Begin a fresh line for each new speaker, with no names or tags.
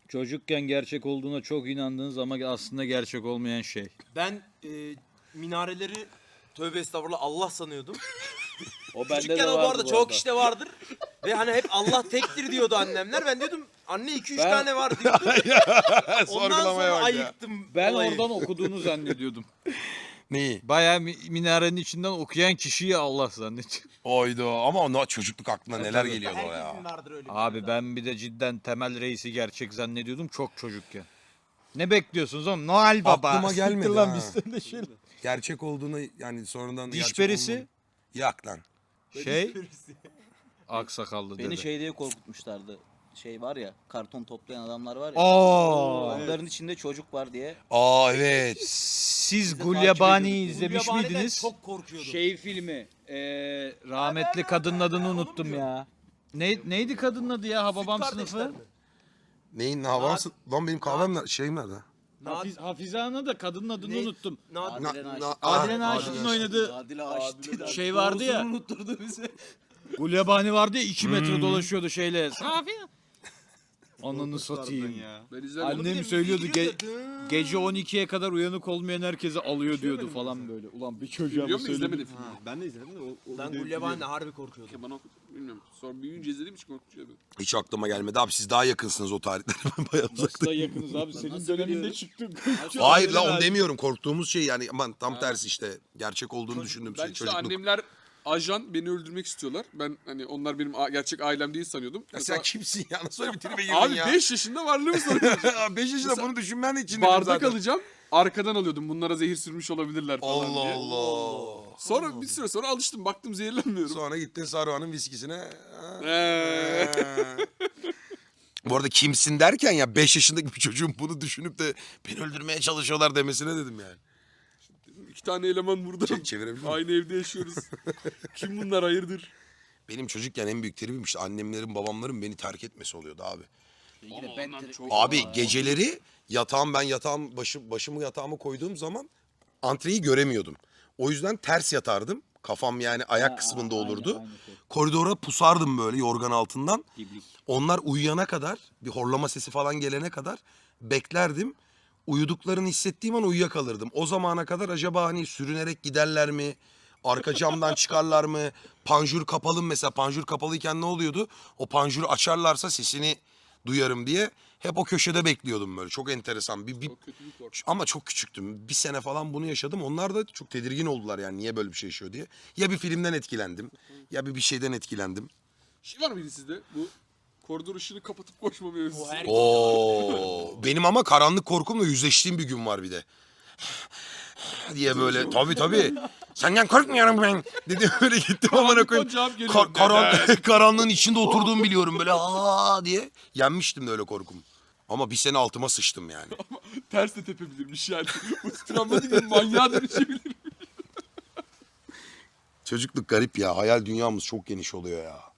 Çocukken gerçek olduğuna çok inandığınız ama aslında gerçek olmayan şey.
Ben minareleri tövbe estağfurullah Allah sanıyordum.
O bende
Küçükken
de
o bu
vardı
arada
bu
çok
arada.
işte vardır. Ve hani hep Allah tektir diyordu annemler. Ben diyordum anne 2-3
Ben-
tane var diyordum. Ondan
Sorgulamaya
sonra
bak ya.
ayıktım
Ben
olayı.
oradan okuduğunu zannediyordum.
Neyi?
Bayağı minarenin içinden okuyan kişiyi Allah zannediyorum.
Oydu ama ona çocukluk aklına neler
tabii.
geliyordu o ya.
Herkesin vardır öyle bir
Abi
şey.
ben bir de cidden Temel Reis'i gerçek zannediyordum çok çocukken. Ne bekliyorsunuz oğlum? Noel Baba.
Aklıma gelmedi
Siktir lan
ha.
bizden de şey.
Gerçek olduğunu yani sonradan
Diş
gerçek
perisi?
olmadığını- Yak lan.
Şey aksakallı
Beni
dede.
şey diye korkutmuşlardı. Şey var ya, karton toplayan adamlar var ya.
Aa,
Onların içinde çocuk var diye.
Aa evet.
siz
takip
Gulyabani'yi
ediyorduk.
izlemiş
Gulyabani'den
miydiniz?
çok korkuyordum.
Şey filmi. Rahmetli kadının adını unuttum ya. Neydi kadının adı ya? Hababam
Kardeşler
sınıfı.
mi?
Neyin havası? Lan benim kahvem nerede? Şeyim nerede?
Hafize Ana da kadının adını
Ne?
unuttum.
Adile Naşit.
Adile Naşit'in oynadığı
Adile Naşit.
şey vardı ya.
Doğrusunu unutturdu bize.
Gulyabani vardı ya 2 metre dolaşıyordu şeyle. Safi. Ananı satayım.
Ben izlemedim.
Annem söylüyordu gece 12'ye kadar uyanık olmayan herkese alıyor diyordu falan böyle. Ulan bir çocuğa
Biliyor
mı
musun? İzlemedim
söyledim?
filmi.
Ben de izledim de o
Ben Gulyabani'yle harbi korkuyordum.
Ya bana bilmiyorum. Sonra büyüyünce izlediğim için korkutuyor beni.
Hiç aklıma gelmedi abi siz daha yakınsınız o tarihlere. Ben bayağı
Nasıl
uzaktayım.
da yakınız abi senin
Nasıl
döneminde
biliyorum?
çıktı.
Hayır la onu demiyorum. Korktuğumuz şey yani aman tam tersi işte. Gerçek olduğunu düşündüğüm
Ben
şey
işte
çocukluk.
annemler ajan beni öldürmek istiyorlar. Ben hani onlar benim gerçek ailem değil sanıyordum.
Ya sen kimsin ya? Nasıl öyle bir tribe girdin
Abi
ya?
5 yaşında varlığımı sanıyordum.
5 yaşında
Mesela
bunu düşünmen için
Bardak
zaten.
alacağım. Arkadan alıyordum. Bunlara zehir sürmüş olabilirler falan
Allah
diye.
Allah.
Sonra bir süre sonra alıştım. Baktım zehirlenmiyorum.
Sonra gittin Saruhan'ın viskisine.
Eee.
Bu arada kimsin derken ya 5 yaşındaki bir çocuğun bunu düşünüp de beni öldürmeye çalışıyorlar demesine dedim yani.
2 tane eleman burada.
Çevirebilir miyim?
Aynı evde yaşıyoruz. Kim bunlar hayırdır?
Benim çocukken en büyük tribim işte annemlerin babamların beni terk etmesi oluyordu abi.
Yine
ondan
ben
çok-
Abi geceleri yatağım başımı yatağıma koyduğum zaman antreyi göremiyordum. O yüzden ters yatardım. Kafam yani ayak kısmında olurdu. Koridora pusardım böyle yorgan altından. Onlar uyuyana kadar bir horlama sesi falan gelene kadar beklerdim. Uyuduklarını hissettiğim an uyuyakalırdım. O zamana kadar acaba hani sürünerek giderler mi? Arka camdan çıkarlar mı? Panjur kapalı mı mesela? Panjur kapalıyken ne oluyordu? O panjuru açarlarsa sesini duyarım diye hep o köşede bekliyordum böyle. Çok enteresan.
Çok kötü bir korku.
Ama çok küçüktüm. Bir sene falan bunu yaşadım. Onlar da çok tedirgin oldular yani niye böyle bir şey yaşıyor diye. Ya bir filmden etkilendim ya bir şeyden etkilendim.
Şey var mıydı sizde? Bu koridor ışığını kapatıp koşma mevzusu.
Oo, benim ama karanlık korkumla yüzleştiğim bir gün var bir de. diye böyle tabii. Senden korkmuyorum ben. Dedim öyle gittim amına koyayım.
Cevap geliyor.
Karanlığın içinde oturduğumu biliyorum böyle aa diye. Yenmiştim de öyle korkum. Ama bir sene altıma sıçtım yani.
Ters de tepebilirmiş yani. Bu travmatik bir manyağa dönüşebilir.
Çocukluk garip ya. Hayal dünyamız çok geniş oluyor ya.